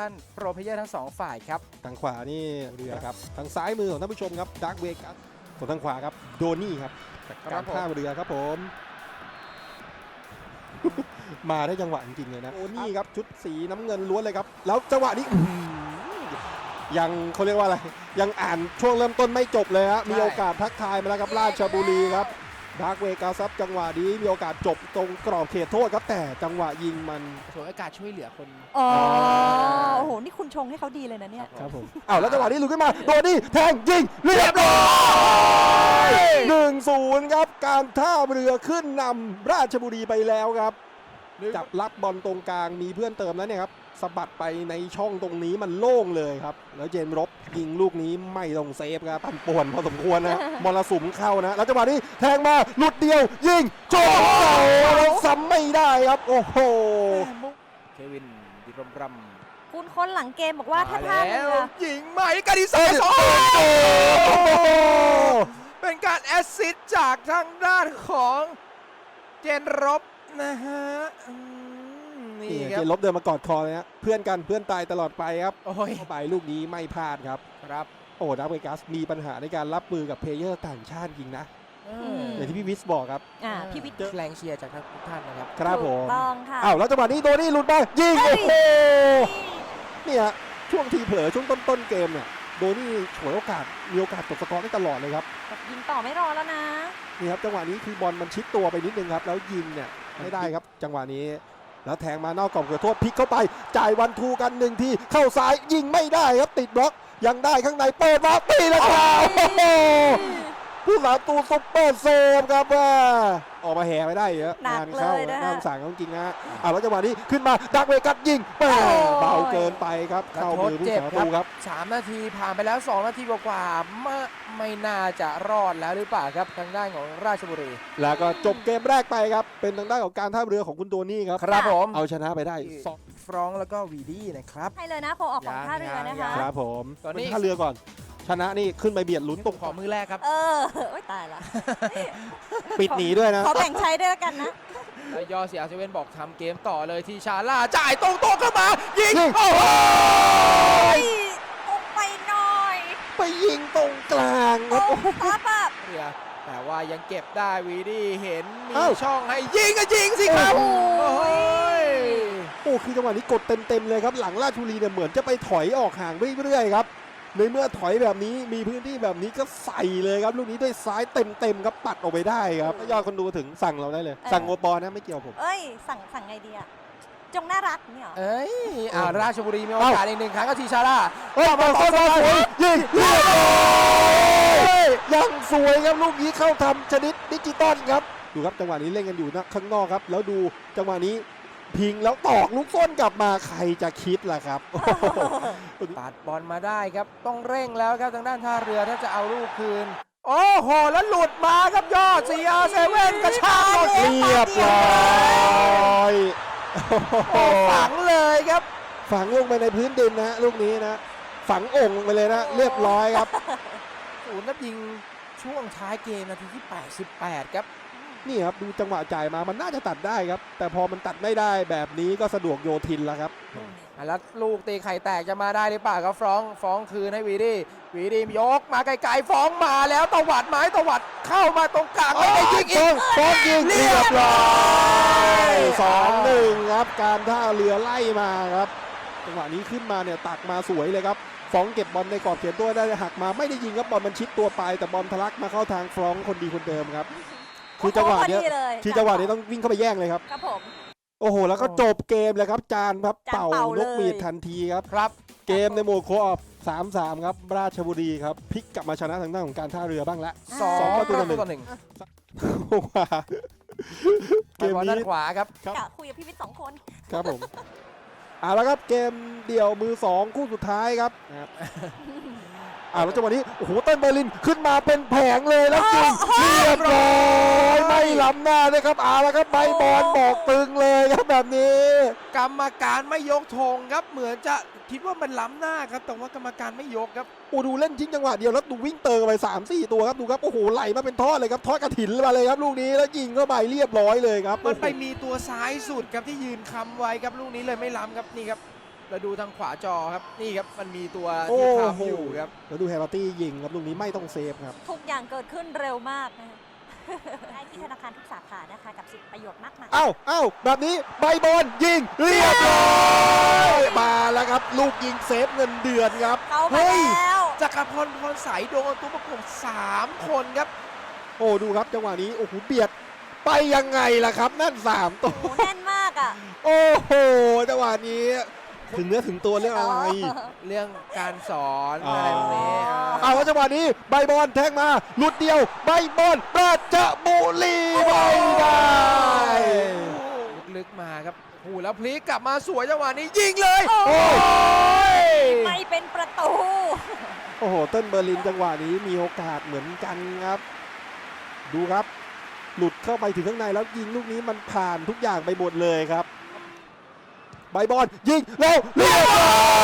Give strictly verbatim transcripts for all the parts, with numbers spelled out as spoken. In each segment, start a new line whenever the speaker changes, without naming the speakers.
านโปรเพลเยอร์ทั้งสองฝ่ายครับ
ทางขวานี่เรือครับทางซ้ายมือของท่านผู้ชมครับดาร์กเวกัสส่วนทางขวาครับโดนี่ครับจากการท่าเรือครับผม มาได้จังหวะจริงๆเลยนะโดนี่ครับชุดสีน้ำเงินล้วนเลยครับแล้วจังหวะนี้ยังเขาเรียกว่าอะไรยังอ่านช่วงเริ่มต้นไม่จบเลยฮะมีโอกาสทักทายมาแล้วครับราชบุรีครับดาร์กเวกัสครับจังหวะนี้มีโอกาสจบตรงกรอบเขตโทษครับแต่จังหวะยิงมัน
ฉวยโอกาสช่วยเหลือคน
อ๋อโอ้โหนี่คุณชงให้เขาดีเลยนะเนี่ย
ครับผมอ้าวแล้วจังหวะนี้ลุกขึ้นมาโดนี่แทงยิงเรียบร้อยหนึ่งศูนย์ครับการท่าเรือขึ้นนำราชบุรีไปแล้วครับจับรับบอลตรงกลางมีเพื่อนเติมแล้วเนี่ยครับสะบัดไปในช่องตรงนี้มันโล่งเลยครับแล้วเจนรบยิงลูกนี้ไม่ต้องเซฟครับปั่นป่วนพอสมควรนะมรสุมเข้านะแล้วจังหวะนี้แทงมาหลุดเดียวยิงโจมเสาแล้วซ้ำไม่ได้ครับโอ้โห
เควินดิรมรัม
คุณคนหลังเกมบอกว่าถ้าท่าเรือ
ยิงใหม่กาดิซ่าสองเป็นการแอสซิสต์จากทางด้านของเจนรบนะฮะ
นี่เจนรบเดินมากอดคอเลยฮะเพื่อนกันเพื่อนตายตลอดไปครับเข้าไปลูกนี้ไม่พลาดครับ
ครับ
โอ้ดาร์กเวกัสมีปัญหาในการรับมือกับเพลเยอร์ต่างชาติจริงนะอย่างที่พี่วิสบอกครับ
อ่าพี่วิส
แรงเชียร์จากทุกท่านนะครับ
ครับผม
ต้องค่ะ
อ้าวแล้วจังหวะนี้โดนี่หลุดไปยิงโอ้โหเนี่ยช่วงทีเผลอช่วงต้นๆเกมเนี่ยโดนี่ฉวยโอกาสมีโอกาสตกสกอร์ได้ตลอดเลยครับ
ยิงต่อไม่รอแล้วนะ
นี่ครับจังหวะนี้คือบอลมันชิดตัวไปนิดนึงครับแล้วยิงเนี่ยไม่ได้ครับจังหวะนี้แล้วแทงมานอกกรอบเขตโทษพลิกเข้าไปจ่ายวันทูกันหนึ่งทีเข้าซ้ายยิงไม่ได้ครับติดบล็อกยังได้ข้างในเปิดมาตีแล้วครับผู้สาตูซุปเปอร์เซฟครับว่าออกมาแห่ไม่ได้เยอะงานเข้าน่าสงสารจริงๆนะอ่ะแล้วจังหวะนี้ขึ้นมาดาร์กเวกัสยิงเบาเกินไปครับเข้ามือผู้สาตูครับ
สามนาทีผ่านไปแล้วสองนาทีกว่าๆไม่ไม่น่าจะรอดแล้วหรือเปล่าครับทางด้านของราชบุรี
แล้วก็จบเกมแรกไปครับเป็นทางด้านของการท่าเรือของคุณโดนี่ครับ
ครับผม
เอาชนะไปได้
ฟรองแล้วก็วีดี้นะครับ
ให้เลยนะโคออกของท่าเรือนะคะ
ครับผมตอนนี้ท่าเรือก่อนชนะนี่ขึ้นไปเบียดลุ้นตรง
ขอมือแรกครับ
เออโอ๊ยตายละ
ปิดหนีด้วยนะ
ขอแบ่งใช้ด้วยกันนะ
แล้วยอเสียเซเว่นบอกทำเกมต่อเลยที่ชาล่าจ่ายตรงโต๊ะเข้ามายิงโอ้
ยตรงไปหน่อย
ไปยิงตรงกลางครับโอ้
ปั๊บปั๊บ
เรือแต่ว่ายังเก็บได้วีดี้เห็นมีช่องให้ยิงก็ยิงสิครับโอ้
ยโอ้คือจังหวะนี้กดเต็มๆเลยครับหลังราชบุรีเนี่ยเหมือนจะไปถอยออกห่างเรื่อยๆครับในเมื่อถอยแบบนี้มีพื้นที่แบบนี้ก็ใส่เลยครับลูกนี้ด้วยซ้ายเต็มๆครับปัดออกไปได้ครับยอดคนดูถึงสั่งเราได้เลยสั่งโอปอนะไม่เกี่ยวผม
เอ้ยสั่งสั่งไงดีอะจงน่ารักนี่เหรอ
เอ้ยอ่าราชบุรีมีโอกาสอีกหนึ่งครั้งก็ทีชาร่า
เฮ้ยมาต่อสวยยิงยังสวยครับลูกนี้เข้าทำชนิดดิจิตอลครับดูครับจังหวะนี้เล่นกันอยู่นะข้างนอกครับแล้วดูจังหวะนี้พิงแล้วตอกลูกส้นกลับมาใครจะคิดล่ะครับ
ปัดบอลมาได้ครับต้องเร่งแล้วครับทางด้านท่าเรือถ้าจะเอาลูกคืนโอ้โหแล้วหลุดมาครับยอด ซี อาร์ เซเว่น กระชากหมด
เรียบร้อย
ฝังเลยครับ
ฝังลงไปในพื้นดินนะลูกนี้นะฝังองค์ไปเลยนะเรียบร้อยครับ
ศูนย์นัดยิงช่วงท้ายเกมนาทีที่แปดสิบแปดครับ
นี่ครับดูจังหวะจ่ายมามันน่าจะตัดได้ครับแต่พอมันตัดไม่ได้แบบนี้ก็สะดวกโยทินแล้วครับ
แล้วลูกตีไข่แตกจะมาได้หรือเปล่าครับฟ้องฟ้องคืนให้วีดี้วีดี้ยกมาไกลๆฟ้องมาแล้วตวัดไม้ตวัดเข้ามาตรงกลางไม่ได้ยิงอีก
ฟ้องยิงเรียบร้อยสองหนึ่งครับการท่าเรือไล่มาครับจังหวะนี้ขึ้นมาเนี่ยตักมาสวยเลยครับฟ้องเก็บบอลในกรอบเขตตัวได้หักมาไม่ได้ยิงครับบอลมันชิดตัวไปแต่บอลทะลักมาเข้าทางฟ้องคนดีคนเดิมครับคือจังหวะนี้ที่จังหวะนี้ต้องวิ่งเข้าไปแย่งเลยครับ
ครับผม
โอ้โหแล้วก็จบเกมเลยครับจานครับเป่านกหวีดทันทีครับ
ครับ
เกมในโหมดโคออฟ สามสาม ครับราชบุรีครับพลิกกลับมาชนะทางด้านของการท่าเรือบ้างละ
สองประตูต่อหนึ่งเกมนี้ด้านขวาครับ
กะคุยกับพี่วิทย์สองคน
ครับผมเอาละครับเกมเดี่ยวมือสองคู่สุดท้ายครับอ่าแล้วจังหวะนี้โอ้โหเต้นเบอร์ลินขึ้นมาเป็นแผงเลยแล้วจริงเรียบร้อยไม่ล้ำหน้าเลยครับเอาละครับใบบอลบอกตึงเลยครับแบบนี้
กรรมการไม่ยกธงครับเหมือนจะคิดว่ามันล้ำหน้าครับแต่ว่ากรรมการไม่ยกครับ
โอ้ดูเล่นทิ้งจังหวะเดียวแล้วดูวิ่งเติมไป สามสี่ ตัวครับดูครับโอ้โหไหลมาเป็นทอดเลยครับทอดกระถินมาเลยครับลูกนี้แล้วยิงเข้าไปเรียบร้อยเลยครับ
มันไปมีตัวซ้ายสุดครับที่ยืนค้ำไว้ครับลูกนี้เลยไม่ล้ำครับนี่ครับแล้วดูทางขวาจอครับนี่ครับมันมีตัว
โอ้
ที่
โห
ค้ำอยู่ครับ
แล้วดูแฮร์รี่ตี้ยิงครับลูกนี้ไม่ต้องเซฟครับ
ทุกอย่างเกิดขึ้นเร็วมากนะคะได้ที่ธนาคารทุกสาขานะคะกับสิทธิประโยชน์มากมาย
เอ้าเอ้าแบบนี้ใบบอลยิงเรียบร้อยมาแล้วครับ ลูกยิงเซฟเงินเดือนครับ
เข้ามา
เฮ้ย
แล้ว
จักรพลพรสายโดนตัวประกบสามคนครับ
โอ้ดูครับจังหวะนี้โอ้โหเบียดไปยังไงล่ะครับ นั่นสามตัว
โอ้โหแน่นมากอ่ะ
โอ้โหจังหวะนี้ถึงเนื้อถึงตัวเรื่องอะไร
เรื่องการสอน
อ๋ออ
อะไรพวกนี้
เอาแล้วจังหวะนี้ใบบอลแทงมาหลุดเดียวใบบอลราชบุรีไม่ได้
ลึกๆมาครับโอ้โหแล้วพลิกกลับมาสวยจังหวะนี้ยิงเลย
โอ้
โอ้
ย
ไม่เป็นประตู
โอ้โหเติ้ลเบอร์ลินจังหวะนี้มีโอกาสเหมือนกันครับ ดูครับ หลุดเข้าไปถึงข้างในแล้วยิงลูกนี้มันผ่านทุกอย่างไปหมดเลยครับใบบอลยิงแล้วเรียบร้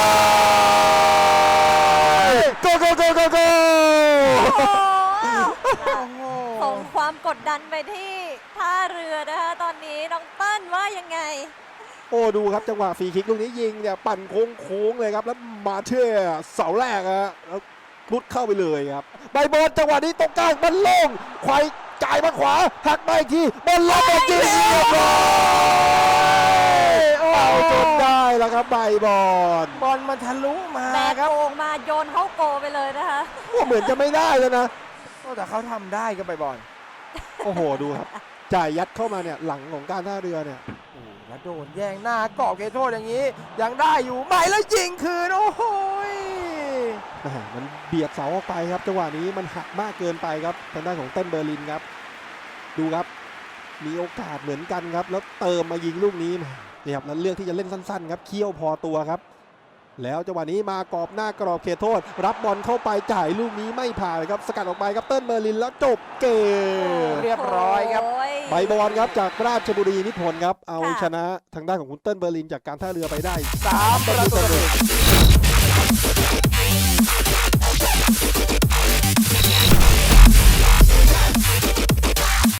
อยโกโกโกโกโก
โอ้โห
โอ้โห
ส่งความกดดันไปที่ท่าเรือนะคะตอนนี้น้องเติ้ลว่ายังไง
โอ้ดูครับจังหวะฟรีคิกลูกนี้ยิงเนี่ยปั่นโค้งโค้งๆเลยครับแล้วมาเชื่อเสาแรกอะแล้วรุดเข้าไปเลยครับใบบอลจังหวะนี้ตรงกลางมันโล่งไขว่จ่ายมาขวาหักมาอีกทีบอลลงมายิงเรียบร้อยเอาจนได้แล้วครับใบบอล
บอลมันทะลุมา
แบก
ครับ
โอ่งมาโยนเข้าโกไปเลยนะคะ
โอ้เหมือนจะไม่ได้แล้วนะ
โอ้แต่เขาทำได้ก็ไปบอล
โอ้โหดูครับจ่ายยัดเข้ามาเนี่ยหลังของการท่าเรือเนี่ย
โอ้โหแล้วโดนแย่งหน้ากรอบเขตโทษอย่างนี้ ยังได้อยู่ไหมแล้วยิงคืน โอ้โหย
แหม่มันเบียดเสาออกไปครับจังหวะนี้มันหักมากเกินไปครับทางด้านของเต้นเบอร์ลินครับดูครับมีโอกาสเหมือนกันครับแล้วเติมมายิงลูกนี้แหมเนี่ยครับแล้วเลือกที่จะเล่นสั้นๆครับเคี่ยวพอตัวครับ แล้วจังหวะนี้มากรอบหน้ากรอบเขตโทษ รับบอลเข้าไปจ่ายลูกนี้ไม่ผ่านครับสกัดออกไปครับเติ้ลเบอร์ลินแล้วจบเกม
เรียบร้อยครับ
โย
ใบบอลครับจากราชบุรีนิพนธ์ครับเอา
ค่ะ
ชนะทางด้านของคุณเติ้ลเบอร์ลินจากการท่าเรือไปได้
สามประตูต่อหนึ่ง